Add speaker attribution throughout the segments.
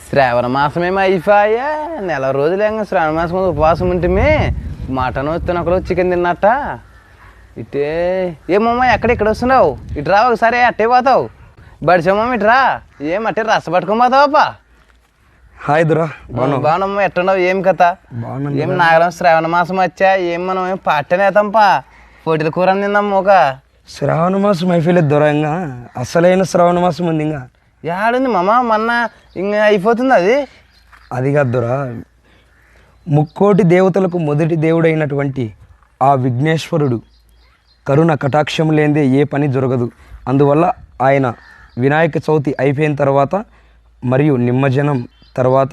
Speaker 1: శ్రావణ మాసమేమో అయిపోయా, నెల రోజులేంగా శ్రావణ మాసం ఉపవాసం ఉంటే మటన్ తినకలు చికెన్ తిన్నట్ట. ఇటే ఏమమ్మా ఎక్కడ వస్తున్నావు? ఇటు రా ఒకసారి, అట్టే పోతావు. బడిసమ్మా ఇటు రా. ఏం అట్టే రస పట్టుకొని పోతావప్పా?
Speaker 2: హాయ్ దురా,
Speaker 1: బాగున్నామ్మా. ఎట్టున్నావు? ఏం కథ? ఏం నాగరం శ్రావణ మాసం వచ్చా, ఏం మనం ఏం పాటనేతాంపా, పోటీల కూర తిందాం. ఒక
Speaker 2: శ్రావణ మాసం అయిపోలేదు దొర, ఇంకా అసలైన శ్రావణ మాసం ఉంది. ఇంకా
Speaker 1: ఏడుంది మామ, మొన్న ఇంకా అయిపోతుంది అది.
Speaker 2: అది కాదు దొర, ముక్కోటి దేవతలకు మొదటి దేవుడైనటువంటి ఆ విఘ్నేశ్వరుడు కరుణ కటాక్షం లేనిదే ఏ పని జరగదు. అందువల్ల ఆయన వినాయక చవితి అయిపోయిన తర్వాత మరియు నిమజ్జనం తర్వాత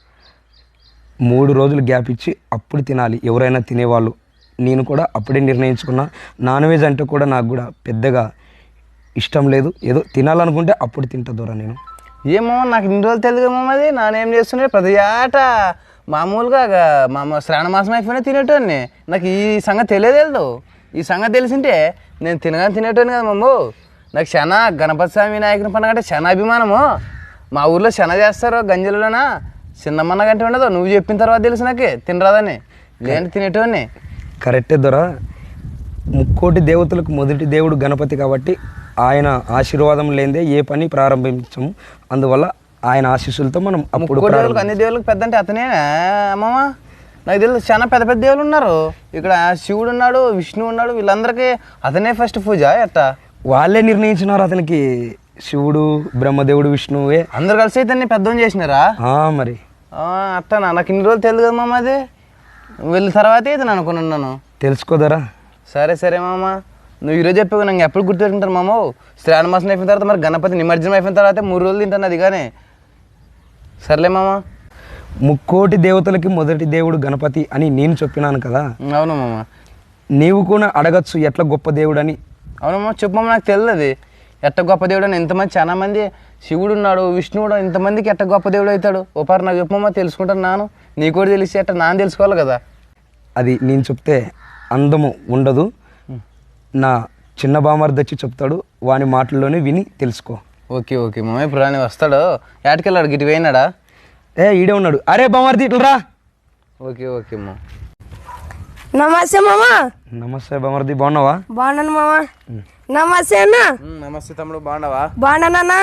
Speaker 2: 3 రోజులు గ్యాప్ ఇచ్చి అప్పుడు తినాలి ఎవరైనా తినేవాళ్ళు. నేను కూడా అప్పుడే నిర్ణయించుకున్నా. నాన్ వెజ్ అంటే కూడా నాకు కూడా పెద్దగా ఇష్టం లేదు, ఏదో తినాలనుకుంటే అప్పుడు తింటా దూరా నేను.
Speaker 1: ఏమో నాకు ఇన్ని రోజులు తెలియదు మామ. అది నానేం చేస్తుండే ప్రతి ఆట మామూలుగా శ్రావణ మాసం అయిపోయినా తినేటోని. నాకు ఈ సంగతి తెలియదు. ఈ సంగతి తెలిసింటే నేను తినేటోని కదా మమ్మ. నాకు శన గణపతి స్వామి వినాయకుని పండుగ అంటే శన అభిమానము. మా ఊర్లో శన చేస్తారు గంజలులోనా, చిన్నమ్మన్న గంటే ఉండదు. నువ్వు చెప్పిన తర్వాత తెలుసు నాకు తినరాదని, లేని తినేటోని.
Speaker 2: కరెక్టే దొర, ముక్కోటి దేవతలకు మొదటి దేవుడు గణపతి కాబట్టి ఆయన ఆశీర్వాదం లేదే ఏ పని ప్రారంభించము. అందువల్ల ఆయన ఆశీస్సులతో మనం అప్పుడు
Speaker 1: అన్ని దేవుళ్ళకి పెద్ద అంటే అతనే అమ్మమ్మ. నాకు తెలుసు చాలా పెద్ద పెద్ద దేవుళ్ళు ఉన్నారు ఇక్కడ. శివుడు ఉన్నాడు, విష్ణువు ఉన్నాడు, వీళ్ళందరికీ అతనే ఫస్ట్ పూజ. ఎట్టా
Speaker 2: వాళ్ళే నిర్ణయించినారు అతనికి. శివుడు, బ్రహ్మదేవుడు, విష్ణువే
Speaker 1: అందరు కలిసి అయితే పెద్దోని చేసినారా?
Speaker 2: మరి
Speaker 1: అట్టనా? నాకు ఇన్ని రోజులు తెలియదు కదా మామ. అది వెళ్ళిన తర్వాత అయితే నేను అనుకున్నాను.
Speaker 2: తెలుసుకోదరా?
Speaker 1: సరే మామ, నువ్వు ఈరోజు చెప్పావు, నాకు ఎప్పుడు గుర్తుపెట్టుకుంటారు మామ. శ్రావణ మాసం అయిపోయిన తర్వాత మరి గణపతి నిమజ్జనం అయిపోయిన తర్వాత 3 రోజులు తింటాను అది. కానీ సర్లే మామ.
Speaker 2: ముక్కోటి దేవతలకి మొదటి దేవుడు గణపతి అని నేను చెప్పినాను కదా.
Speaker 1: అవును మామ.
Speaker 2: నీవు కూడా అడగచ్చు ఎట్లా గొప్ప దేవుడు అని.
Speaker 1: అవునమ్మా, చెప్పు మామ. నాకు తెలియదు అది ఎట్ట గొప్ప దేవుడు అని. ఎంతమంది చాలా మంది శివుడు ఉన్నాడు, విష్ణువుడు, ఇంతమందికి ఎట్ట గొప్ప దేవుడు అవుతాడు. ఓపారు నాకు చెప్పమ్మా, తెలుసుకుంటాను నాను. నీకు కూడా తెలిసి ఎట్ట నాన్న తెలుసుకోవాలి కదా.
Speaker 2: అది నేను చెప్తే అందము ఉండదు. నా చిన్న బామర్ది వచ్చి చెప్తాడు, వాని మాటల్లోనే విని తెలుసుకో.
Speaker 1: ఓకే మామ. ఇప్పుడు రాని వస్తాడు. ఏటకెళ్ళాడు? గిటి పోయినాడా?
Speaker 2: ఈడే ఉన్నాడు. అరే బామర్ది ఇట్లా.
Speaker 1: ఓకే అమ్మా.
Speaker 3: నమస్తే మామ.
Speaker 2: నమస్తే బామర్ది, బాగున్నావా?
Speaker 3: బాగున్నాను మామ. నమస్తే అన్న.
Speaker 1: నమస్తే తమ్ముడు, బాగున్నావా?
Speaker 3: బాగున్నానన్నా.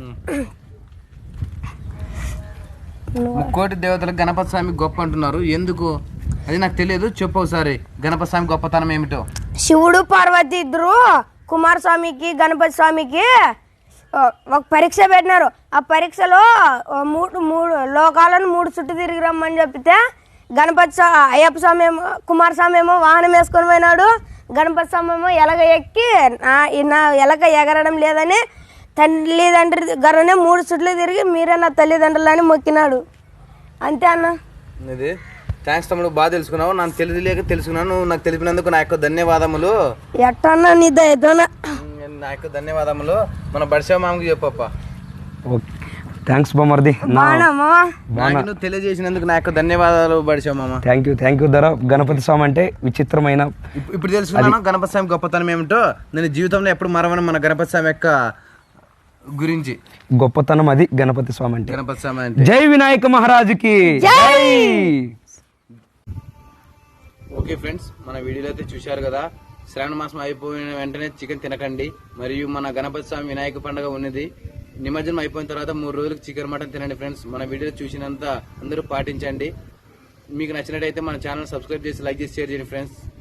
Speaker 1: ముక్కోటి దేవతలకు గణపతి స్వామి గొప్ప అంటున్నారు, ఎందుకు? అది నాకు తెలియదు, చెప్పు ఒకసారి. గణపతి స్వామి గొప్పతనం ఏమిటో?
Speaker 3: శివుడు పార్వతి ఇద్దరు కుమారస్వామికి గణపతి స్వామికి ఒక పరీక్ష పెట్టినారు. ఆ పరీక్షలో మూడు లోకాలను 3 చుట్టూ తిరిగి రమ్మని చెప్తే అయ్యప్ప స్వామి ఏమో, కుమారస్వామి ఏమో వాహనం వేసుకొని పోయినాడు. గణపతి స్వామి ఏమో ఎలగ ఎక్కి నా ఎలక ఎగరడం లేదని తల్లిదండ్రుల దగ్గరనే 3 చుట్లు తిరిగి మీరే నా తల్లిదండ్రులని మొక్కినాడు. అంతే అన్న.
Speaker 1: ఇది థ్యాంక్స్ తమ్ముడు, బాగా తెలుసుకున్నావు. నాకు తెలియలేక తెలుసుకున్నాను. నువ్వు నాకు తెలిపినందుకు నా యొక్క ధన్యవాదములు.
Speaker 3: ఎట్టన్నా నీ దయతోనా?
Speaker 1: నా యొక్క ధన్యవాదములు. మన బడిసా మామకి చెప్పప్ప.
Speaker 2: ఓకే, థ్యాంక్స్ బామర్ది.
Speaker 1: నాకు తెలియజేసినందుకు నా యొక్క ధన్యవాదాలు బడిసా మామ.
Speaker 2: థ్యాంక్ యూ ధర. గణపతి స్వామి అంటే విచిత్రమైన,
Speaker 1: ఇప్పుడు తెలుసుకున్నాను గణపతి స్వామి గొప్పతనం ఏమిటో. నేను జీవితంలో ఎప్పుడు మరవను మన గణపతి స్వామి యొక్క గురించి.
Speaker 2: గొప్పతనం అది గణపతి స్వామి అంటే.
Speaker 1: గణపతి స్వామి అంటే
Speaker 2: జై వినాయక మహారాజుకి జై.
Speaker 1: ఓకే ఫ్రెండ్స్, మన వీడియోలో అయితే చూశారు కదా. శ్రావణ మాసం అయిపోయిన వెంటనే చికెన్ తినకండి. మరియు మన గణపతి స్వామి వినాయక పండుగ ఉన్నది. నిమజ్జనం అయిపోయిన తర్వాత 3 రోజులకు చికెన్ మటన్ తినండి ఫ్రెండ్స్. మన వీడియో చూసినంత అందరూ పాటించండి. మీకు నచ్చినట్టయితే మన ఛానల్ సబ్స్క్రైబ్ చేసి, లైక్ చేసి, షేర్ చేయండి ఫ్రెండ్స్.